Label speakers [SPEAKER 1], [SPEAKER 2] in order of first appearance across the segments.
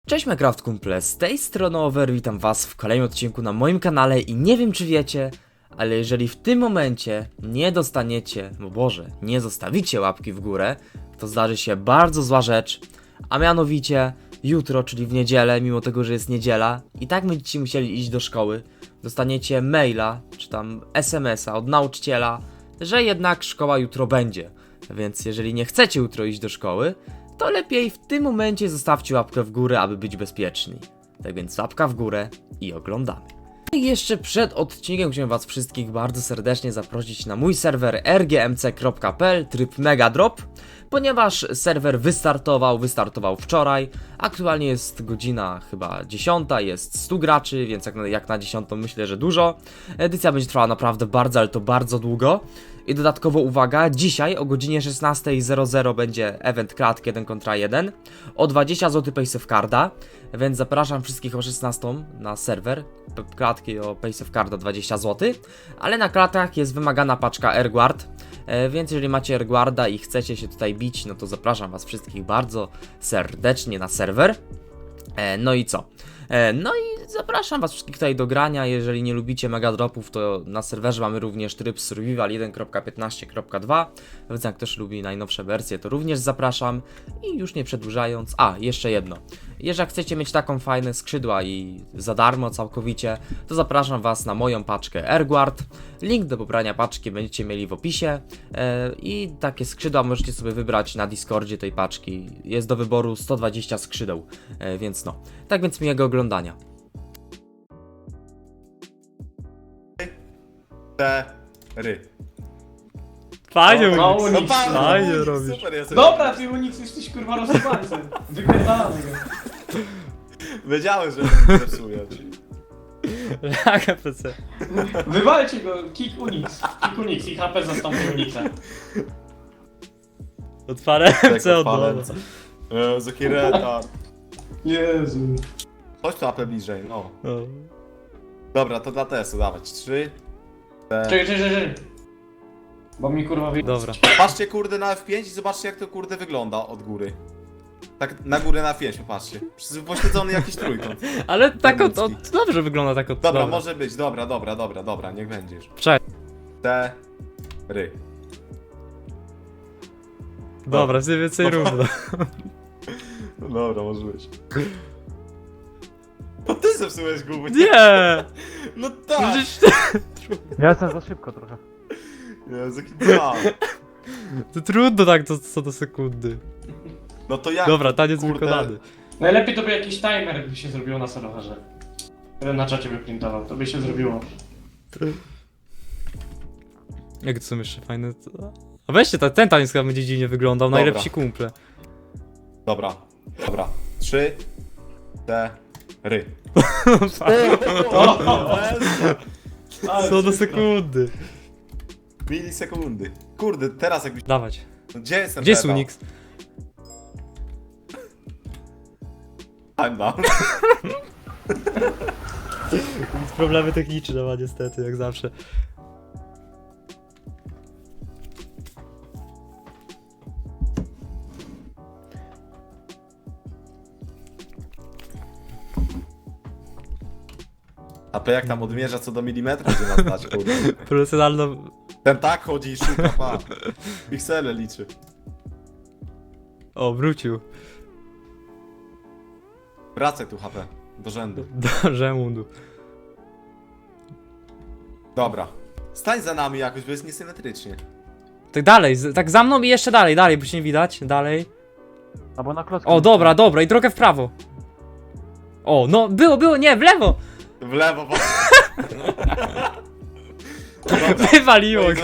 [SPEAKER 1] Cześć Minecraft kumple, z tej strony Over, witam was w kolejnym odcinku na moim kanale i nie wiem czy wiecie, ale jeżeli w tym momencie nie dostaniecie, no Boże, nie zostawicie łapki w górę, to zdarzy się bardzo zła rzecz, a mianowicie jutro, czyli w niedzielę, mimo tego, że jest niedziela, i tak będziecie musieli iść do szkoły, dostaniecie maila, czy tam SMS-a od nauczyciela, że jednak szkoła jutro będzie, więc jeżeli nie chcecie jutro iść do szkoły, to lepiej w tym momencie zostawcie łapkę w górę, aby być bezpieczni. Tak więc łapka w górę i oglądamy. I jeszcze przed odcinkiem chciałem was wszystkich bardzo serdecznie zaprosić na mój serwer rgmc.pl tryb Megadrop, ponieważ serwer wystartował wczoraj, aktualnie jest godzina chyba 10, jest 100 graczy, więc jak na 10 myślę, że dużo. Edycja będzie trwała naprawdę bardzo, ale to bardzo długo. I dodatkowo uwaga, dzisiaj o godzinie 16:00 będzie event klatki 1 kontra 1 o 20 zł Pace of Carda, więc zapraszam wszystkich o 16 na serwer, klatki o Pace of Carda 20 zł, ale na klatach jest wymagana paczka Airguard, więc jeżeli macie Airguarda i chcecie się tutaj bić, no to zapraszam was wszystkich bardzo serdecznie na serwer. No i co? No i zapraszam was wszystkich tutaj do grania. Jeżeli nie lubicie megadropów, to na serwerze mamy również tryb survival 1.15.2, więc jak ktoś lubi najnowsze wersje, to również zapraszam. I już nie przedłużając, jeszcze jedno, jeżeli chcecie mieć taką fajne skrzydła i za darmo całkowicie, to zapraszam was na moją paczkę Airguard. Link do pobrania paczki będziecie mieli w opisie i takie skrzydła możecie sobie wybrać na Discordzie tej paczki. Jest do wyboru 120 skrzydeł, więc no. Tak więc miłego oglądania. Fajnie,
[SPEAKER 2] No,
[SPEAKER 1] Unix, fajnie
[SPEAKER 2] Unix,
[SPEAKER 1] robisz.
[SPEAKER 2] super, ja sobie-
[SPEAKER 3] Dobra, ty Unix jesteś kurwa rozsypańcem. Wypierdalamy go.
[SPEAKER 2] Wiedziałem, że mnie zepsuje.
[SPEAKER 1] Laga PC.
[SPEAKER 3] Wywalcie go, kick Unix i HP zastąpi Unixa.
[SPEAKER 1] Otwarę
[SPEAKER 2] Tak,
[SPEAKER 1] MC od
[SPEAKER 2] odpalę.
[SPEAKER 1] nowa.
[SPEAKER 2] Jaki retard.
[SPEAKER 3] Jezu.
[SPEAKER 2] Chodź tu apę bliżej, no.
[SPEAKER 1] O.
[SPEAKER 2] Dobra, to dla testu dawać. 3.
[SPEAKER 3] Czekaj. Bo mi kurwa wyjdzie.
[SPEAKER 1] Dobra.
[SPEAKER 2] Patrzcie kurde na F5 i zobaczcie jak to kurde wygląda od góry. Tak na górę na F5 popatrzcie. Pośledzony jakiś trójkąt.
[SPEAKER 1] Ale tak od,
[SPEAKER 2] Termicki.
[SPEAKER 1] dobrze wygląda tak od.
[SPEAKER 2] Dobra, może być, dobra, niech będzie już.
[SPEAKER 1] Czekaj.
[SPEAKER 2] Ry.
[SPEAKER 1] Dobra, mniej więcej równo.
[SPEAKER 2] No dobra, może być. To ty zepsułeś gumy.
[SPEAKER 1] Nie!
[SPEAKER 2] No tak!
[SPEAKER 1] Przecież
[SPEAKER 4] Ja jestem za szybko trochę.
[SPEAKER 2] Jezu, jaki dwa.
[SPEAKER 1] to trudno tak co do sekundy.
[SPEAKER 2] No to jak?
[SPEAKER 1] Dobra, taniec
[SPEAKER 2] Kurde.
[SPEAKER 1] wykonany.
[SPEAKER 3] Najlepiej to by jakiś timer by się zrobiło na serwerze. Na czacie by printował, to by się zrobiło.
[SPEAKER 1] Jak to są jeszcze fajne. A weźcie, ten taniec chyba będzie dziwnie wyglądał,
[SPEAKER 2] Dobra.
[SPEAKER 1] najlepsi kumple.
[SPEAKER 2] Dobra. 3. Ry.
[SPEAKER 1] Co do sekundy.
[SPEAKER 2] Milisekundy. Kurde, teraz jakbyś...
[SPEAKER 1] Dawać.
[SPEAKER 2] Gdzie jestem?
[SPEAKER 1] Gdzie jest Unix?
[SPEAKER 2] I'm down.
[SPEAKER 1] Problemy techniczne ma niestety, jak zawsze.
[SPEAKER 2] A to jak tam odmierza co do milimetra, będzie nas dać, kurde.
[SPEAKER 1] Profesjonalno.
[SPEAKER 2] Ten tak chodzi i szuka, pa. Piksele liczy.
[SPEAKER 1] O, wrócił.
[SPEAKER 2] Wracaj tu HP. Do rzędu.
[SPEAKER 1] Do Żemundu.
[SPEAKER 2] Dobra. Stań za nami jakoś, bo jest niesymetrycznie.
[SPEAKER 1] Tak dalej, tak za mną i jeszcze dalej, bo się nie widać. Dalej.
[SPEAKER 4] Albo na klocki.
[SPEAKER 1] O, dobra, i trochę w prawo. O, no, było, nie, w lewo!
[SPEAKER 2] W lewo, bo...
[SPEAKER 1] Wywaliło go.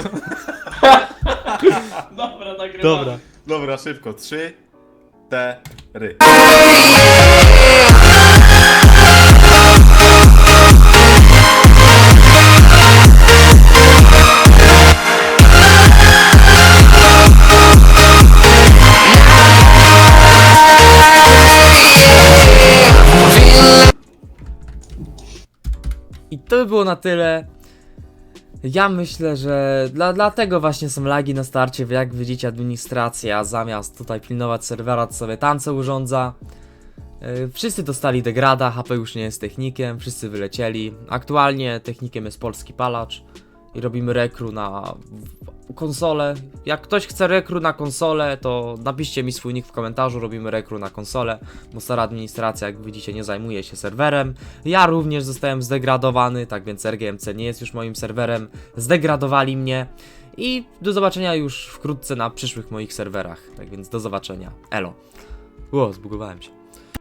[SPEAKER 3] Dobra, nagrywamy.
[SPEAKER 1] Dobra.
[SPEAKER 2] Dobra, szybko. 3. Ry.
[SPEAKER 1] I to by było na tyle. Ja myślę, że dlatego właśnie są lagi na starcie, jak widzicie administracja zamiast tutaj pilnować serwera, to sobie tance urządza. Wszyscy dostali degrada, HP już nie jest technikiem, wszyscy wylecieli. Aktualnie technikiem jest polski palacz i robimy rekru na konsolę. Jak ktoś chce rekru na konsolę, to napiszcie mi swój nick w komentarzu, robimy rekru na konsolę, bo stara administracja, jak widzicie, nie zajmuje się serwerem. Ja również zostałem zdegradowany, tak więc RGMC nie jest już moim serwerem, zdegradowali mnie i do zobaczenia już wkrótce na przyszłych moich serwerach. Tak więc do zobaczenia, elo. Zbugowałem się.